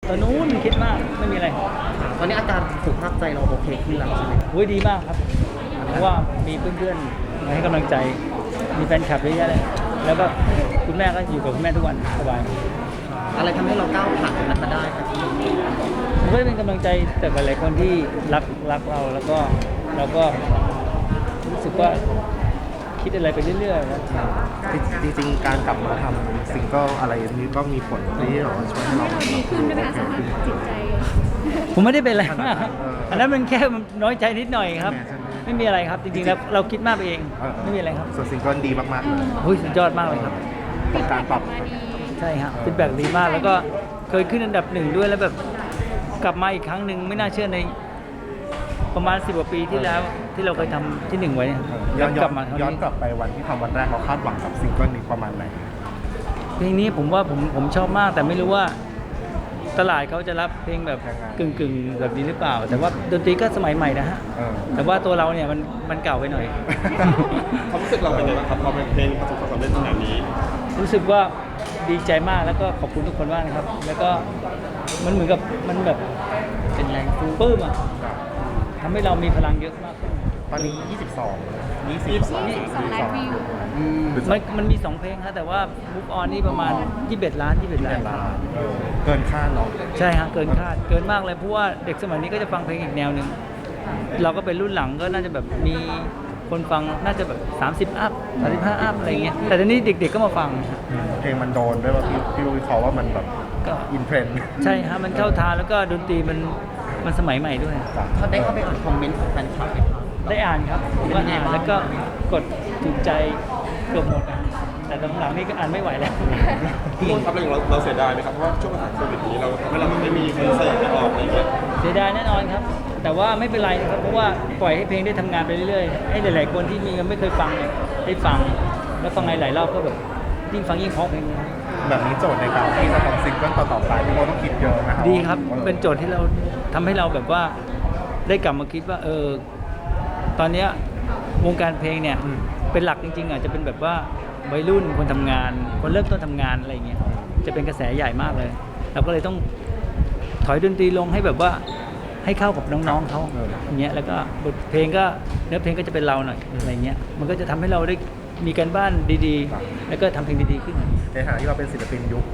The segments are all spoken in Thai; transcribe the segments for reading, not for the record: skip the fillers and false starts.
ตอนนู้นคิดมากไม่มีอะไรตอนนี้อาการสุขภาพใจเราโอเคขึ้นแล้วใช่ไหมโอ้ยดีมากครับเพราะว่ามีเพื่อนๆมาให้กำลังใจมีแฟนคลับเยอะแยะเลยแล้วก็คุณแม่ก็อยู่กับคุณแม่ทุกวันสบายอะไรทำให้เราก้าวผ่านตรงนั้นมาได้ครับพี่ผมก็เป็นกำลังใจแต่หลายๆคนที่รักเราแล้วก็เราก็รู้สึกว่าคิดอะไรไปเรื่อยๆนะจริงๆการกลับมาทำซิงเกิลอะไรนี้ก็มีผลที่เราช่วยให้เราดีขึ้นด้วยไหมคะสภาพจิตใจผมไม่ได้เป็นอะไรมากครับอันนั้นมันแค่น้อยใจนิดหน่อยครับใช่ไหมไม่มีอะไรครับจริงๆแล้วเราคิดมากไปเองไม่มีอะไรครับส่วนซิงเกิลดีมากๆเลยโอ้ยสุดยอดมากเลยครับกับการปรับมาดีใช่ครับฟีดแบ็กดีมากแล้วก็เคยขึ้นอันดับ1ด้วยแล้วแบบกลับมาอีกครั้งหนึ่งไม่น่าเชื่อในประมาณ10 กว่าปีที่แล้วที่เราเคยทำที่1ไว้นะครับย้อนกลับมาครั้งย้อนนี้กลับไปวันที่ทำวันแรกเราคาดหวังกับซิงเกิลนี้ประมาณไหนเพลงนี้ผมว่าผมชอบมากแต่ไม่รู้ว่าตลาดเขาจะรับเพลงแบบกึ่งแบบนี้หรือเปล่า แต่ว่าดนตรีก็สมัยใหม่นะฮะ แต่ว่าตัวเราเนี่ยมันเก่าไปหน่อยความรู้สึกเราเป็นยังไงบ้างครับพอเป็นเพลงประสบความสำเร็จขนาดนี้รู้สึกว่าดีใจมากแล้วก็ขอบคุณทุกคนมากนะครับ แล้วก็มันเหมือนกับมันแบบเป็นแรงสู้ปลื้มอ่ะทำให้เรามีพลังเยอะมากขึ้นตอนนี้ 22 ล้านวิวมันมี 2 เพลงครับแต่ว่า Move On นี่ประมาณ21 ล้านเกินคาดเนาะใช่ฮะเกินคาดเกินมากเลยเพราะว่าเด็กสมัยนี้ก็จะฟังเพลงอีกแนวหนึ่งเราก็เป็นรุ่นหลังก็น่าจะแบบมีคนฟังน่าจะแบบ30 อัพ 35 อัพอะไรเงี้ยแต่ตอนนี้เด็กๆก็มาฟังเพลงมันโดนด้วยว่าพี่รู้เขาว่ามันแบบก็อินเทรนด์ใช่ฮะมันเข้าทางแล้วก็ดนตรีมันสมัยใหม่ด้วยเขาได้เข้าไปอ่านคอมเมนต์ของแฟนคลับไหมครับได้อ่านครับผมก็อ่านแล้วก็กดถูกใจเกือบหมดอะแต่หลังๆนี่ก็อ่านไม่ไหวแล้วพี่มนต์ครับเราเสียดายไหมครับเพราะว่าช่วงสถานโควิดนี้เราทำให้เราไม่มีคอนเสิร์ตออกอะไรอย่างเงี้ยเสียดายแน่นอนครับ แต่ว่าไม่เป็นไรนะครับเพราะว่าปล่อยให้เพลงได้ทำงานไปเรื่อยๆให้หลายๆคนที่มียังไม่เคยฟังเนี่ยได้ฟังแล้วฟังหลายๆรอบก็แบบยิ่งฟังยิ่งเพราะเพลงนี้แบบนี้โจทย์ในการที่จะทำซิงเกิลต่อๆไปพี่โมต้องคิดเยอะนะครับดีครับเป็นโจทย์ที่เราทำให้เราแบบว่าได้กลับมาคิดว่าตอนเนี้ยวงการเพลงเนี่ยเป็นหลักจริงๆอาจจะเป็นแบบว่าวัยรุ่นคนทำงาน คนเริ่มต้นทำงานอะไรอย่างเงี้ยจะเป็นกระแสใหญ่มากเลยเราก็เลยต้องถอยดนตรีลงให้แบบว่าให้เข้ากับน้องๆเขาอย่างเงี้ยแล้วก็บทเพลงก็เนื้อเพลงก็จะเป็นเราหน่อยอะไรเงี้ยมันก็จะทำให้เราได้มีการบ้านดีๆ แล้วก็ทำเพลงดีๆขึ้นในฐานะที่เราเป็นศิลปินยุค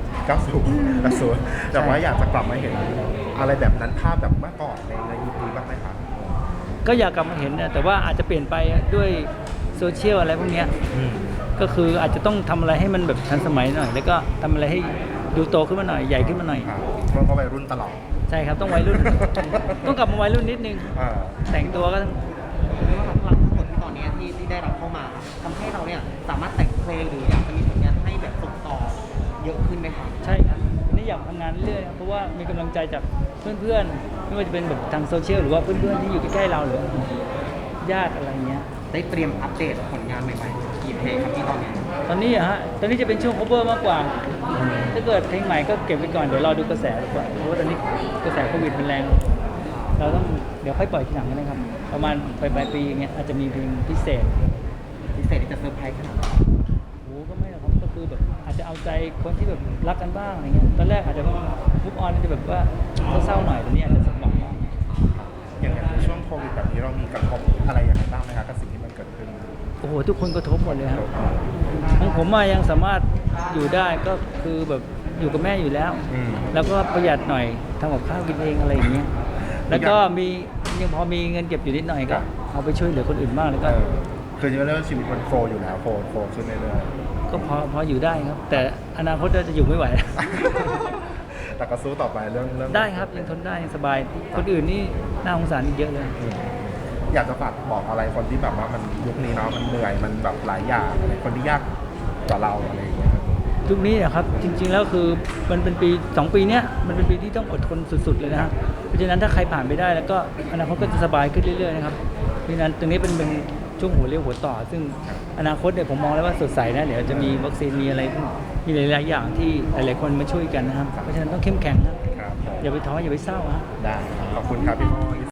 90 80แต่ว่าอยากจะกลับมาเห็นอะไรแบบนั้นภาพแบบเมื่อก่อนในยุคนี้บ้างไหมครับก็อยากกลับมาเห็นนะแต่ว่าอาจจะเปลี่ยนไปด้วยโซเชียลอะไรพวกเนี้ยก็คืออาจจะต้องทำอะไรให้มันแบบทันสมัยหน่อย แล้วก็ทำอะไรให้ดูโตขึ้นมาหน่อยใหญ่ขึ้นมาหน่อยมันก็วัยรุ่นตลอดใช่ครับต้องวัยรุ่น ต้องกลับมาวัยรุ่นนิดนึงอ่าแต่งตัวก็ต้องพลังทั้งหมดที่ตอนนี้ที่ได้รับเข้ามาทำให้เราเนี่ยสามารถแต่งเพลงหรืออยากจะมีผลงานให้แบบส่งต่อเยอะขึ้นไหมครับใช่ครับนี่อยากทำงานเรื่อยๆเพราะว่ามีกำลังใจจากเพื่อนๆไม่ว่าจะเป็นแบบทางโซเชียลหรือว่าเพื่อนๆที่อยู่ใกล้ๆเราหรือญาติอะไรเงี้ยได้เตรียมอัปเดตผลงานใหม่ๆกี่เพลงครับที่ตอนนี้ตอนนี้อะฮะตอนนี้จะเป็นช่วง cover มากกว่า ถ้าเกิดเพลงใหม่ก็เก็บไว้ก่อนเดี๋ยวรอดูกระแสดีกว่าเพราะว่าตอนนี้กระแสโควิดมันแรง เราต้องเดี๋ยวค่อยปล่อยทีหลังกันนะครับ ประมาณปลายปีอย่างเงี้ยอาจจะมีเพลงพิเศษพิเศษที่จะเซอร์ไพรส์ขนาดไหนโอ้ก็ไม่หรอกครับก็คือแบบอาจจะเอาใจคนที่แบบรักกันบ้างอะไรเงี้ยตอนแรกอาจจะมุกออนจะแบบว่าเศร้าๆหน่อยแต่นี้อาจจะสมหวังบ้างอย่างในช่วงโควิดแบบนี้เรามีกระทบอะไรอย่างไรบ้างไหมครับกับสิ่งที่มันเกิดขึ้นโอ้โหทุกคนกระทบหมดเลยครับของผมมายังสามารถอยู่ได้ก็คือแบบอยู่กับแม่อยู่แล้ว แล้วก็ประหยัดหน่อยทำกับข้าวกินเองอะไรอย่างเงี้ยแล้วก็มียังพอมีเงินเก็บอยู่นิดหน่อยก็เอาไปช่วยเหลือคนอื่นบ้างแล้วก็คือจริงๆแล้วชีวิตมันโฟลอยู่แล้วโฟลขึ้นเรื่อยก็พออยู่ได้ครับ แต่อนาคตจะอยู่ไม่ไหวๆแต่ก็สู้ต่อไปเรื่องได้ครับยังทนได้ยังสบาย คนอื่นนี่น่าสงสารอีกเยอะเลยอยากจะฝากบอกอะไรคนที่แบบว่ามันยุคนี้เนาะมันเหนื่อยมันแบบหลายอย่างคนที่ยากกว่าเราอะไรอย่างเงี้ยยุคนี้นะครับจริงๆแล้วคือมันเป็นปี2 ปีเนี้ยมันเป็นปีที่ต้องอดทนสุดๆเลยนะฮะเพราะฉะนั้นถ้าใครผ่านไปได้แล้วก็อนาคตก็จะสบายขึ้นเรื่อยๆนะครับเพราะฉะนั้นตรงนี้เป็นช่วงหัวเลี้ยวหัวต่อ ซึ่งอนาคตเนี่ยผมมองแล้วว่าสดใสนะเดี๋ยวจะมีวัคซีนมีอะไรมีหลายๆอย่างที่หลายๆคนมาช่วยกันนะครับเพราะฉะนั้นต้องเข้มแข็งนะครับอย่าไปท้ออย่าไปเศร้าฮะได้ขอบคุณครับพี่โม